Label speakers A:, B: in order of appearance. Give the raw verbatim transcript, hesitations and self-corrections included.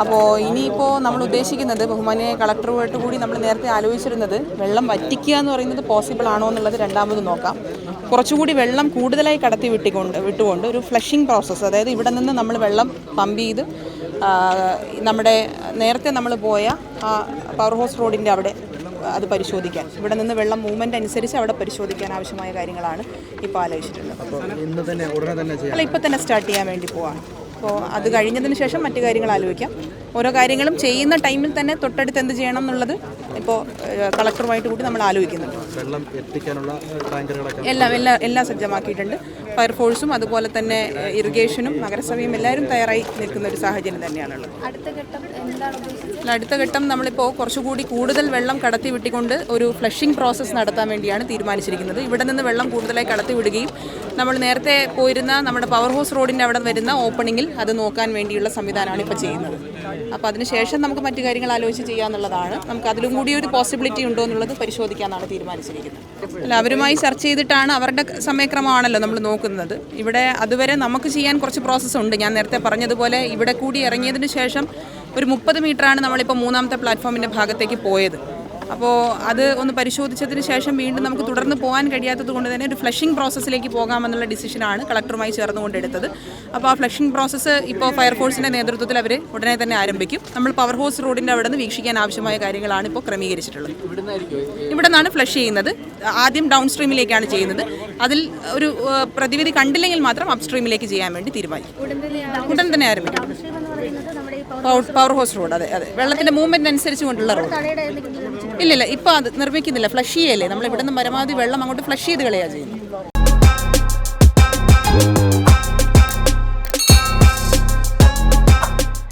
A: അപ്പോൾ ഇനിയിപ്പോൾ നമ്മൾ ഉദ്ദേശിക്കുന്നത് ബഹുമാനിയായ കളക്ടറുമായിട്ട് കൂടി നമ്മൾ നേരത്തെ ആലോചിച്ചിരുന്നത് വെള്ളം വറ്റിക്കുക എന്ന് പറയുന്നത് പോസിബിൾ ആണോ എന്നുള്ളത് രണ്ടാമത് നോക്കാം. കുറച്ചുകൂടി വെള്ളം കൂടുതലായി കടത്തി വിട്ടിക്കൊണ്ട് വിട്ടുകൊണ്ട് ഒരു ഫ്ലഷിംഗ് പ്രോസസ്സ്, അതായത് ഇവിടെ നിന്ന് നമ്മൾ വെള്ളം പമ്പ് ചെയ്ത് നമ്മുടെ നേരത്തെ നമ്മൾ പോയ ആ പവർ ഹൗസ് റോഡിൻ്റെ അവിടെ അത് പരിശോധിക്കാൻ, ഇവിടെ നിന്ന് വെള്ളം മൂവ്മെൻ്റ് അനുസരിച്ച് അവിടെ പരിശോധിക്കാൻ ആവശ്യമായ കാര്യങ്ങളാണ് ഇപ്പോൾ ആലോചിച്ചിട്ടുള്ളത്. അല്ല, ഇപ്പോൾ തന്നെ സ്റ്റാർട്ട് ചെയ്യാൻ വേണ്ടി പോവാണ്. അപ്പോൾ അത് കഴിഞ്ഞതിന് ശേഷം മറ്റു കാര്യങ്ങൾ ആലോചിക്കാം. ഓരോ കാര്യങ്ങളും ചെയ്യുന്ന ടൈമിൽ തന്നെ തൊട്ടടുത്ത് എന്ത് ചെയ്യണം എന്നുള്ളത് ഇപ്പോൾ കളക്ടറുമായിട്ട് കൂടി നമ്മൾ ആലോചിക്കുന്നുണ്ട്.
B: വെള്ളം എത്തിക്കാനുള്ള
A: എല്ലാം എല്ലാം എല്ലാം സജ്ജമാക്കിയിട്ടുണ്ട്. ഫയർഫോഴ്സും അതുപോലെ തന്നെ ഇറിഗേഷനും നഗരസഭയും എല്ലാവരും തയ്യാറായി നിൽക്കുന്ന ഒരു സാഹചര്യം തന്നെയാണുള്ളത്. അടുത്ത ഘട്ടം നമ്മളിപ്പോൾ കുറച്ചുകൂടി കൂടുതൽ വെള്ളം കടത്തി വിട്ടിക്കൊണ്ട് ഒരു ഫ്ലഷിംഗ് പ്രോസസ്സ് നടത്താൻ വേണ്ടിയാണ് തീരുമാനിച്ചിരിക്കുന്നത്. ഇവിടെ നിന്ന് വെള്ളം കൂടുതലായി കടത്തി വിടുകയും നമ്മൾ നേരത്തെ പോയിരുന്ന നമ്മുടെ പവർ ഹൗസ് റോഡിൻ്റെ അവിടെ വരുന്ന ഓപ്പണിങ്ങിൽ അത് നോക്കാൻ വേണ്ടിയുള്ള സംവിധാനമാണ് ഇപ്പോൾ ചെയ്യുന്നത്. അപ്പോൾ അതിനുശേഷം നമുക്ക് മറ്റു കാര്യങ്ങൾ ആലോചിച്ച് ചെയ്യാമെന്നുള്ളതാണ്. നമുക്ക് അതിലും കൂടി ഒരു പോസിബിലിറ്റി ഉണ്ടോ എന്നുള്ളത് പരിശോധിക്കാനാണ് തീരുമാനിച്ചിരിക്കുന്നത്. അല്ല, അവരുമായി ചർച്ച ചെയ്തിട്ടാണ്, അവരുടെ സമയക്രമമാണല്ലോ നമ്മൾ നോക്കുന്നത്. ഇവിടെ അതുവരെ നമുക്ക് ചെയ്യാൻ കുറച്ച് പ്രോസസ്സ് ഉണ്ട്. ഞാൻ നേരത്തെ പറഞ്ഞതുപോലെ ഇവിടെ കൂടി ഇറങ്ങിയതിന് ശേഷം ഒരു മുപ്പത് മീറ്ററാണ് നമ്മളിപ്പോൾ മൂന്നാമത്തെ പ്ലാറ്റ്ഫോമിൻ്റെ ഭാഗത്തേക്ക് പോയത്. അപ്പോൾ അത് ഒന്ന് പരിശോധിച്ചതിന് ശേഷം വീണ്ടും നമുക്ക് തുടർന്ന് പോകാൻ കഴിയാത്തത് കൊണ്ട് തന്നെ ഒരു ഫ്ലഷിംഗ് പ്രോസസ്സിലേക്ക് പോകാമെന്നുള്ള ഡിസിഷനാണ് കളക്ടറുമായി ചേർന്നുകൊണ്ട് എടുത്തത്. അപ്പോൾ ആ ഫ്ലഷിംഗ് പ്രോസസ്സ് ഇപ്പോൾ ഫയർഫോഴ്സിൻ്റെ നേതൃത്വത്തിൽ അവർ ഉടനെ തന്നെ ആരംഭിക്കും. നമ്മൾ പവർ ഹൗസ് റോഡിൻ്റെ അവിടെ നിന്ന് വീക്ഷിക്കാൻ ആവശ്യമായ കാര്യങ്ങളാണ് ഇപ്പോൾ ക്രമീകരിച്ചിട്ടുള്ളത്. ഇവിടെ നിന്നാണ് ഫ്ലഷ് ചെയ്യുന്നത്. ആദ്യം ഡൗൺ സ്ട്രീമിലേക്കാണ് ചെയ്യുന്നത്. അതിൽ ഒരു പ്രതിവിധി കണ്ടില്ലെങ്കിൽ മാത്രം അപ് സ്ട്രീമിലേക്ക് ചെയ്യാൻ വേണ്ടി തീരുമാനിക്കും. ഉടൻ തന്നെ ആരംഭിക്കും. പവർ ഹൗസ് റോഡ്, അതെ അതെ, വെള്ളത്തിൻ്റെ മൂവ്മെൻറ്റ് അനുസരിച്ച് കൊണ്ടുള്ള റോഡ്. ഇല്ലില്ല, ഇപ്പോൾ അത് നിർമ്മിക്കുന്നില്ല. ഫ്ലഷ് ചെയ്യല്ലേ, നമ്മൾ ഇവിടെ നിന്ന് പരമാവധി വെള്ളം അങ്ങോട്ട് ഫ്ലഷ് ചെയ്ത് കളയാണ് ചെയ്യുന്നത്.